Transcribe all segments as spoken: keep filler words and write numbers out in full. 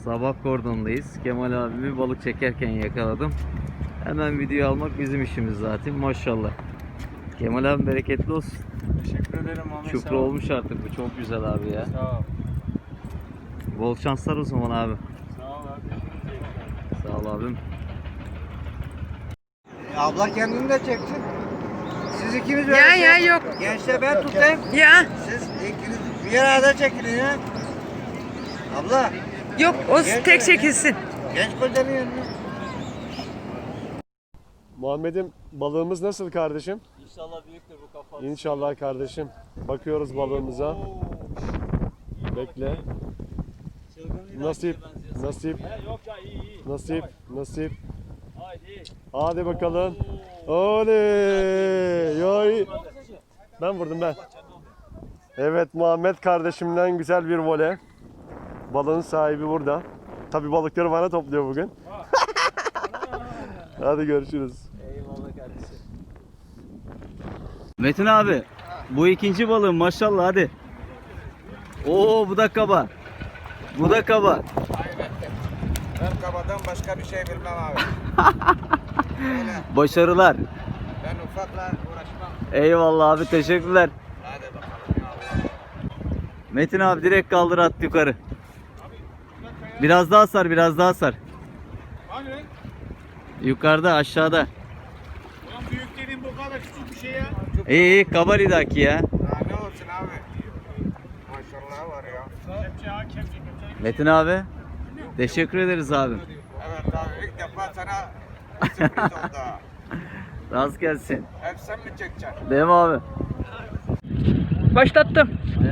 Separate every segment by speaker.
Speaker 1: Sabah kordondayız. Kemal abimi balık çekerken yakaladım. Hemen video almak bizim işimiz zaten. Maşallah. Kemal abi bereketli olsun.
Speaker 2: Teşekkür ederim Ahmet.
Speaker 1: Çupra olmuş artık bu. Çok güzel abi ya.
Speaker 2: Sağ ol.
Speaker 1: Bol şanslar o zaman abi.
Speaker 2: Sağ ol abi.
Speaker 1: Sağ ol abim.
Speaker 3: Abla kendini de çeksin. Siz ikiniz öyle
Speaker 4: Ya
Speaker 3: şey-
Speaker 4: ya yok.
Speaker 3: Gençler ben tutayım.
Speaker 4: Ya
Speaker 3: Siz ikiniz bir arada çekilin ya. Abla
Speaker 4: yok o tek çekilsin.
Speaker 3: genç kocanın yanına.
Speaker 5: Muhammed'im balığımız nasıl kardeşim?
Speaker 2: İnşallah büyüktür bu kafa.
Speaker 5: İnşallah kardeşim. Bakıyoruz balığımıza. Bekle. Nasip, nasip,
Speaker 2: Yok ya iyi iyi.
Speaker 5: nasip, nasip.
Speaker 2: Haydi.
Speaker 5: Hadi bakalım. Oley! Yoy. Ben vurdum ben. Evet, Muhammed kardeşimden güzel bir voley. Balığın sahibi burada. Tabii balıkları bana topluyor bugün. Hadi görüşürüz.
Speaker 2: Eyvallah kardeşim.
Speaker 1: Metin abi. Bu ikinci balığım maşallah hadi. Oo bu da kaba. Bu da kaba.
Speaker 3: Ben kabadan başka bir şey bilmem abi.
Speaker 1: Başarılar.
Speaker 3: Ben ufakla uğraşmam.
Speaker 1: Eyvallah abi teşekkürler.
Speaker 3: Hadi bakalım.
Speaker 1: Metin abi direkt kaldır at yukarı. Biraz daha sar biraz daha sar.
Speaker 2: Hani?
Speaker 1: Yukarıda aşağıda.
Speaker 2: Ulan büyük dediğin bu kadar küçük bir şey ya.
Speaker 1: İyi iyi kaba lidaki ya.
Speaker 3: Daha ne olsun abi? Maşallah var ya.
Speaker 2: Kepçe ha kepçe kepçe.
Speaker 1: Metin abi. Teşekkür ederiz abi.
Speaker 3: Evet abi ilk defa sana bir sürpriz oldu.
Speaker 1: Rast gelsin.
Speaker 3: Hep sen mi çekeceksin?
Speaker 1: Değil mi abi?
Speaker 4: Başlattım.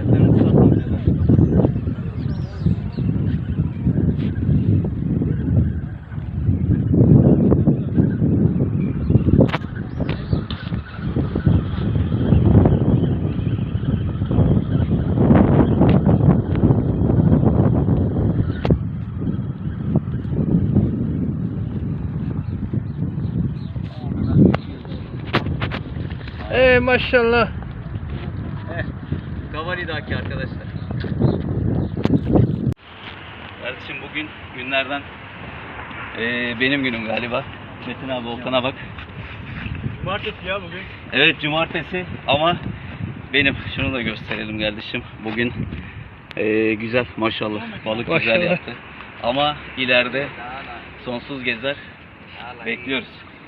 Speaker 4: Ee maşallah.
Speaker 1: Kavalidaki arkadaşlar. Kardeşim bugün günlerden eee, benim günüm galiba. Metin abi Volkan'a bak.
Speaker 2: Cumartesi ya bugün.
Speaker 1: Evet cumartesi ama benim. Şunu da gösterelim kardeşim. Bugün eee, güzel maşallah. Balık güzel
Speaker 4: Maşallah.
Speaker 1: yaptı. Ama ileride sonsuz gezer. Bekliyoruz.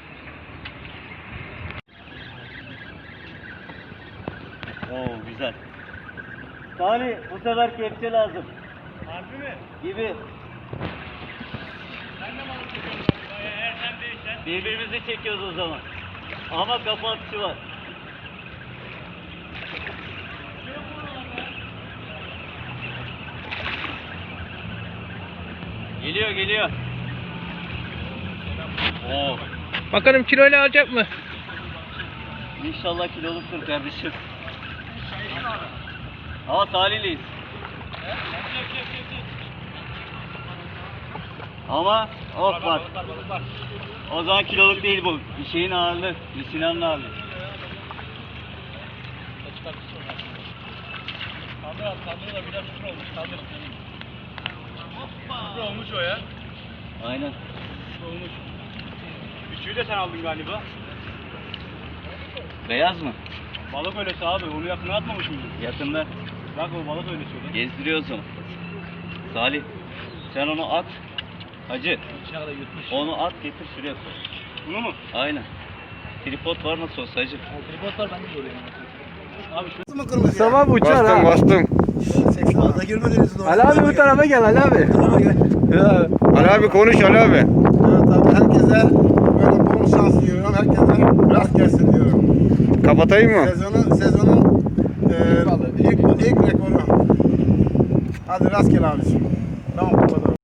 Speaker 1: Oo güzel. Salih bu sefer kepçe lazım.
Speaker 2: Harbi mi?
Speaker 1: Gibi.
Speaker 2: Sen de balık tutuyorsun galiba ya. Eğer sen değilsen.
Speaker 1: Birbirimizi çekiyoruz o zaman. Ama kafa atışı var. Geliyor geliyor. Oo.
Speaker 4: Bakalım kiloyla alacak mı?
Speaker 1: İnşallah kiloluktur kardeşim. Ama Salih'leyiz. Ama of bak. O zaman kiloluk değil bu. Bir şeyin ağırlığı. Bir Sinan'ın ağırlığı.
Speaker 2: Kaldır abi kaldır da biraz şükür olmuş. Kaldır. Şükür olmuş o ya.
Speaker 1: Aynen.
Speaker 2: Şükür olmuş. Küçüğü de sen aldın galiba.
Speaker 1: Beyaz mı?
Speaker 2: Balık öylesi abi. Onu yakına atmamış mıydın?
Speaker 1: Yakında.
Speaker 2: Bak o balık öylesi o da.
Speaker 1: Gezdiriyoruz onu. Salih. Sen onu at. Hacı.
Speaker 2: Dışarıda yutmuş.
Speaker 1: Onu at getir şuraya koy.
Speaker 2: Bunu mu?
Speaker 1: Aynen. Tripod var nasıl olsa hacı.
Speaker 2: Tripodlar bende de oraya. Abi şu
Speaker 4: Mustafa uçar
Speaker 3: Bastım
Speaker 4: ha.
Speaker 3: bastım.
Speaker 6: Fazla girmediniz doğru.
Speaker 4: Ali abi bu tarafa gel Ali abi. Ya.
Speaker 3: Ali abi konuş Ali abi.
Speaker 6: Evet abi herkese böyle bol şans diliyorum. Herkese rast gelsin diyorum.
Speaker 3: Kapatayım mı?
Speaker 6: Sezonun sezonun e, ilk ilk rekoru. Hadi rast gel abiciğim. Tamam kapatalım.